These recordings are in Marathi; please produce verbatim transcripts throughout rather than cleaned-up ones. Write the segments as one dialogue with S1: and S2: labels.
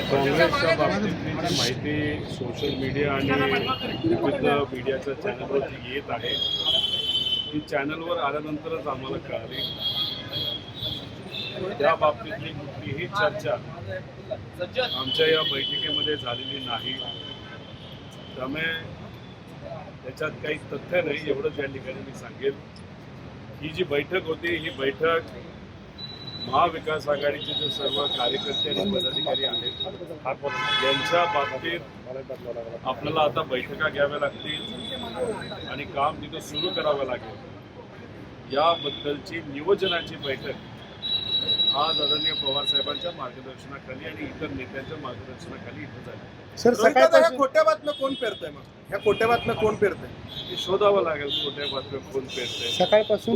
S1: काँग्रेसच्या बाबतीतली जी माहिती सोशल मीडिया आणि विविध मीडियाच्या चॅनलवरती येत आहे ती चॅनलवर आल्यानंतरच आम्हाला कळाली. त्या बाबतीतली कुठलीही चर्चा आमच्या या बैठकीमध्ये झालेली नाही. त्यामुळे त्याच्यात काही तथ्य नाही एवढंच या ठिकाणी मी सांगेन. ही जी बैठक होती ही बैठक महाविकास आघाडीचे जे सर्व कार्यकर्ते आणि पदाधिकारी आहेत यांच्या बाबतीत आपल्याला आता बैठका घ्याव्या लागतील आणि काम तिथं सुरू करावं लागेल. याबद्दलची नियोजनाची बैठक आज आदरणीय पवार साहेबांच्या मार्गदर्शनाखाली आणि इतर नेत्यांच्या मार्गदर्शनाखाली इथं झाली.
S2: सर सकाळपासून खोट्या बातम्या कोण पेरतंय मग ह्या खोट्या बातम्या कोण पेरतंय
S1: हे शोधावं लागेल खोट्या बातम्या कोण पेरतंय.
S2: सकाळपासून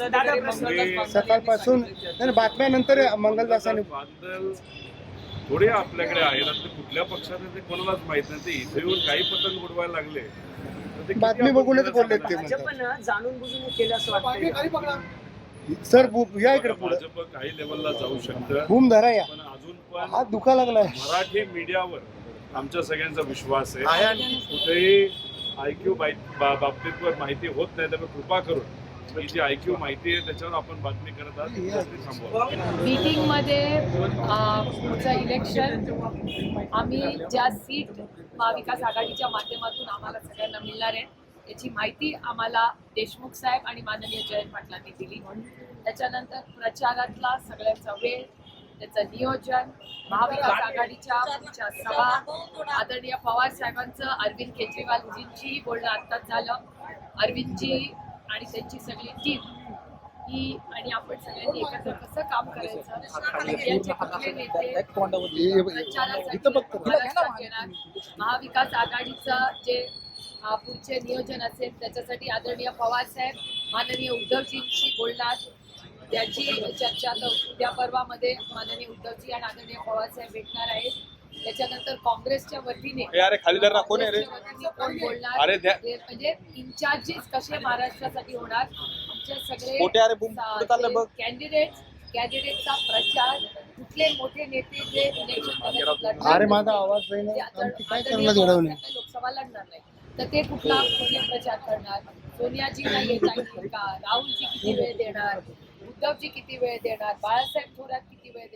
S2: सकाळपासून नाही, बातम्यानंतर मंगलदासांनी
S1: बादल थोडे आपल्याकडे आहेत. आता ते कुठल्या पक्षात आहे ते कोणालाच माहित नाही. ते इथे येऊन काही पतंग उडवायला लागले तर ते किती
S2: बातमी
S1: आपण
S2: बघूनच
S1: कोणाला
S2: बोललेत ते
S1: सांगणार?
S2: म्हणतात.
S3: जाणून बुजून केलं असं वाटतं.
S2: सर बु- या इकडे पुढे
S1: भाजप काही लेवलला जाऊ शकतं
S2: बूम धरा या
S1: पण अजून पण
S2: हात दुखा लागलाय.
S1: मराठी मीडियावर आमच्या सगळ्यांचा विश्वास आहे. कुठेही आयक्यू बाबतीत माहिती होत नाही त्यामुळे कृपा करून ही जी आयक्यू माहिती आहे त्याच्यावर आपण बातमी करत आहात ती बातमी थांबवा.
S4: मीटिंगमध्ये अ, पुढचं इलेक्शन आम्ही ज्या सीट महाविकास आघाडीच्या माध्यमातून आम्हाला सगळ्यांना मिळणार आहे याची माहिती आम्हाला देशमुख साहेब आणि माननीय जयंत पाटलांनी दिली. त्याच्यानंतर प्रचारातला सगळ्यांचा वेळ, त्याचं नियोजन, महाविकास आघाडीच्या पुढच्या सभा, आदरणीय पवार साहेबांचं अरविंद केजरीवालजींचीही बोलणं आत्ताच झालं. अरविंदजी आणि त्यांची सगळी टीम ही आणि आपण सगळ्यांनी एकत्र कसं काम करायचं, इंडियाचे कुठले नेते प्रचारासाठी महाराष्ट्रात येणार, महाविकास आघाडीचं जे अ, पुढचे नियोजन असेल त्याच्यासाठी आदरणीय पवार साहेब माननीय उद्धवजींशी बोलणार. त्याची चर्चा आता उद्या परवामध्ये माननीय उद्धवजी आणि आदरणीय पवार साहेब भेटणार आहेत. त्याच्यानंतर काँग्रेसच्या वतीने
S5: खालीदार कोण आहे रे?
S4: काँग्रेसच्या वतीने कोण बोलणार
S5: अरे द्या.
S4: ते म्हणजे इन्चार्जेस कसे महाराष्ट्रासाठी होणार, आमचे
S5: मोठे अरे बुम,
S4: सगळे
S5: कुठं चाललंय बघ?
S4: कॅन्डिडेट कॅन्डिडेटचा प्रचार, कुठले मोठे नेते जे इलेक्शन
S2: अरे माझा आवाज नाही ना. आमची काय करणार घडवणे
S4: लोकसभा लढणार नाही तर ते कुठला कुठले प्रचार करणार, सोनियाजींना येता येईल का, राहुलजी किती वेळ देणार, उद्धवजी किती वेळ देणार, बाळासाहेब थोरात किती वेळ